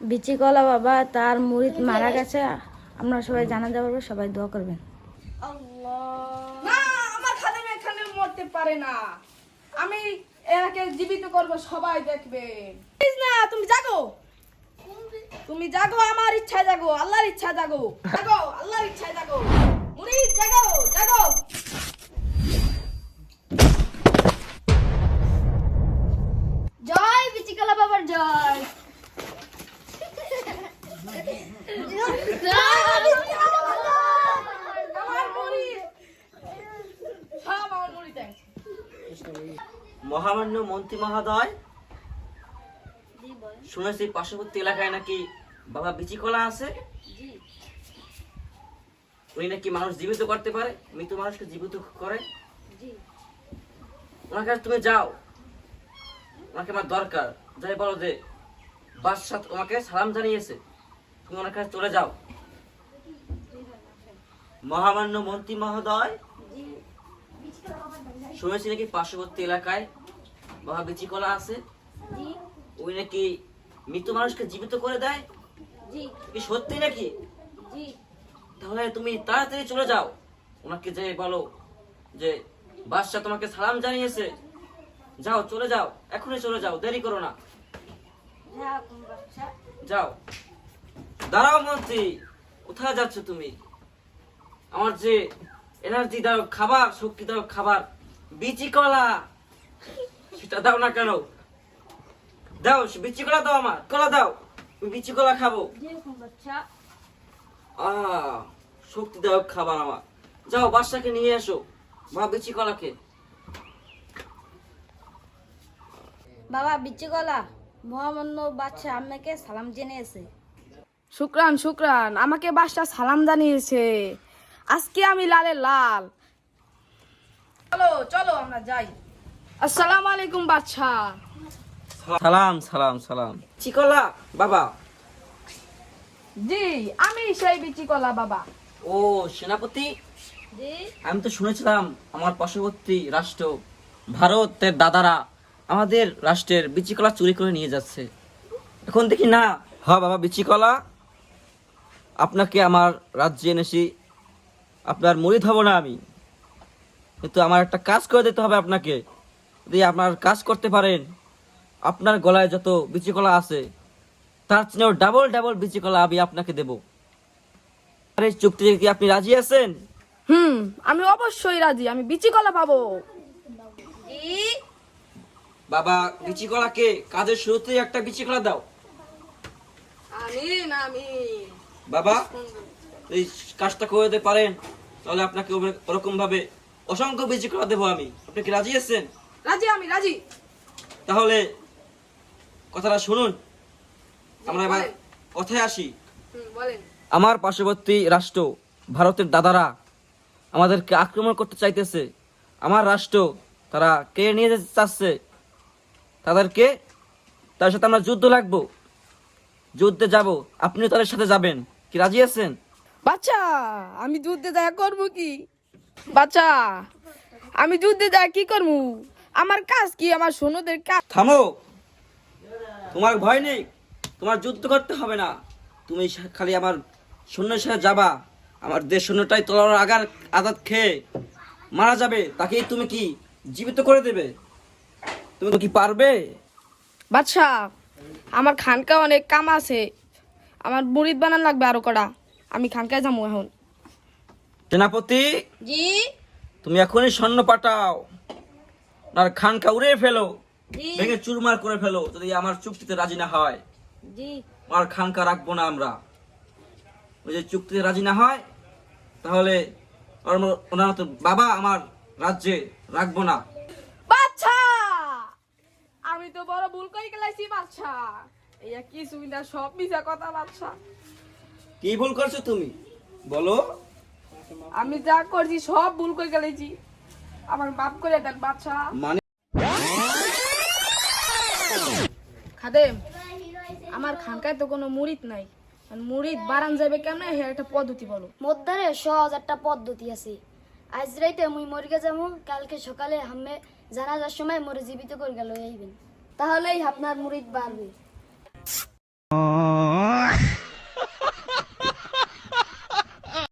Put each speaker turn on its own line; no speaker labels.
বিচি কলা বাবা তার মুরিদ মারা গেছে, আপনারা সবাই জানাজা করবেন, সবাই দোয়া করবেন।
না, আমার খাদেম এখানে মরতে পারে না, আমি এনাকে জীবিত করব, সবাই দেখবে। না, তুমি জাগো, তুমি জাগো, আমার ইচ্ছা জাগো, আল্লাহর ইচ্ছা জাগো, জাগো, আল্লাহর ইচ্ছা জাগো, মুরিদ জাগো, জাগো।
জয় বিচি কলা বাবার জয়।
মহামান্য মন্ত্রী মহোদয়, শুনেছি পার্শ্ববর্তী এলাকায় নাকি বাবা বিচিকলা আছে। উনি নাকি মানুষ জীবিত করতে পারে, মৃত মানুষকে জীবিত করে। ওনার কাছে তুমি যাও, ওনাকে আমার দরকার। যাই বলো যে বাদশাহ তোমাকে সালাম জানিয়েছে, তুমি ওনার কাছে চলে যাও। মহামান্য মন্ত্রী মহোদয়, শুনেছি নাকি পার্শ্ববর্তী এলাকায় বাবা বিচিকলা আছে। ওই নাকি মৃত মানুষকে জীবিত করে দেয়, কি সত্যি নাকি? তাহলে তুমি তাড়াতাড়ি চলে যাও, ওনাকে যে বলো যে বাদশাহ তোমাকে সালাম জানিয়েছে। যাও, চলে যাও, এখনই চলে যাও, দেরি করো না, যাও। দাঁড়াও মন্ত্রী, কোথায় যাচ্ছ তুমি? আমার যে এনার্জি দাও খাবার, শক্তি দাও খাবার, বিচি কলা, সেটা দাও না কেন? দাও, বিচি কলা দাও, আমার কলা দাও, বিচি কলা খাবো। শক্তি দাও খাবার আমার। যাও, বাদশাকে নিয়ে এসো মা বিচি কলাকে।
বাবা বিচি কলা, মহামান্য বাদশাহ আপনাকে সালাম জেনেছে।
শুক্রান, শুক্রান, আমাকে বাদশাহ সালাম জানিয়েছে। আজকে আমি লালে লাল। চলো চলো আমরা যাই। আসসালামু আলাইকুম বাদশাহ।
সালাম সালাম সালাম। চিকলা বাবা?
জি, আমি সেই বিচিকলা বাবা।
ও সেনাপতি,
জি
আমি তো শুনেছিলাম আমার পার্শ্ববর্তী রাষ্ট্র ভারতের দাদারা আমাদের রাষ্ট্রের বিচিকলা চুরি করে নিয়ে যাচ্ছে। এখন দেখি না। হ্যাঁ বাবা বিচিকলা, আপনাকে আমার রাজ্যে এনেছি, আপনার মুরিদ হব না আমি, কিন্তু আমার একটা কাজ করে দিতে হবে আপনাকে। যদি আপনার কাজ করতে পারেন, আপনার গলায় যত বিচিকলা আছে তার চেয়েও ডাবল ডাবল বিচিকলা আমি আপনাকে দেব। আর এই চুক্তিতে কি আপনি রাজি আছেন?
আমি অবশ্যই রাজি, আমি বিচিকলা পাবো।
বাবা বিচিকলাকে কাজের শুরুতেই একটা বিচিকলা দাও।
আমিন আমিন।
বাবা এই কাজটা করে দিতে পারেন, তাহলে আপনাকে ওরকম ভাবে অসংখ্য বিচিকলা দেবো আমি। আপনি কি রাজি আছেন?
রাজি, আমি রাজি।
তাহলে কথাটা শুনুন, আমরা এবার
বলেন।
কথায় আসি।
বলেন।
আমার পার্শ্ববর্তী রাষ্ট্র ভারতের দাদারা আমাদেরকে আক্রমণ করতে চাইতেছে। আমার রাষ্ট্র তারা কে নিয়ে যেতে চাচ্ছে, তাদেরকে, তার সাথে আমরা যুদ্ধ লাগবো, যুদ্ধে যাব, আপনিও তাদের সাথে যাবেন। কি রাজি আছেন?
বাচ্চা, আমি যুদ্ধে যা করবো কি? বাচ্চা, আমি যুদ্ধে যা কি করবো? আমার কাজ কি? আমার সৈন্যদের কাজ।
থামো, তোমার ভয় নেই, তোমার যুদ্ধ করতে হবে না। তুমি খালি আমার সৈন্যের সাথে যাবা, আমার দেশ সৈন্যটাই তলোয়ার আঘাত খেয়ে মারা যাবে, তাকেই তুমি কি জীবিত করে দেবে? তুমি কি পারবে?
বাচ্চা, আমার খানকা অনেক কাম আছে, আমার মুরিদ বানান লাগবে আরো কটা। আমি খানকায় যাবো এখন।
সেনাপতি,
জি
তুমি এখনই সৈন্য পাঠাও, আর খানকা উড়িয়ে ফেলো,
জি
ভেঙে চুরমার করে ফেলো। যদি আমার চুক্তিতে রাজি না হয়,
জি
আর খানকা রাখবো না আমরা। ওই যে চুক্তিতে রাজি না হয়, তাহলে ওনার তো বাবা আমার রাজ্যে রাখবো না।
বাচ্চা, আমি তো বড় ভুল করে গেলাইছি বাচ্চা। এই কি সুবিধা, সব মিছা কথা বাচ্চা।
কি ভুল করছো তুমি বলো?
আমি যা করছি সব ভুল করে গেলাইছি, আমার মাফ করে দেন বাচ্চা।
মানে
খাদেম, আমার খানকায় তো কোনো মুরিদ নাই, মুরিদ বারান যাবে কেমনে, হে একটা পদ্ধতি বলো।
মধ্যে সহজ একটা পদ্ধতি আছে। আজ রাইতে মুই মরিগে যাবো, কালকে সকালে হামে জানাজার সময় মরে জীবিত করে গেল আইবেন, তাহলেই আপনার মুরিদ বাড়বে।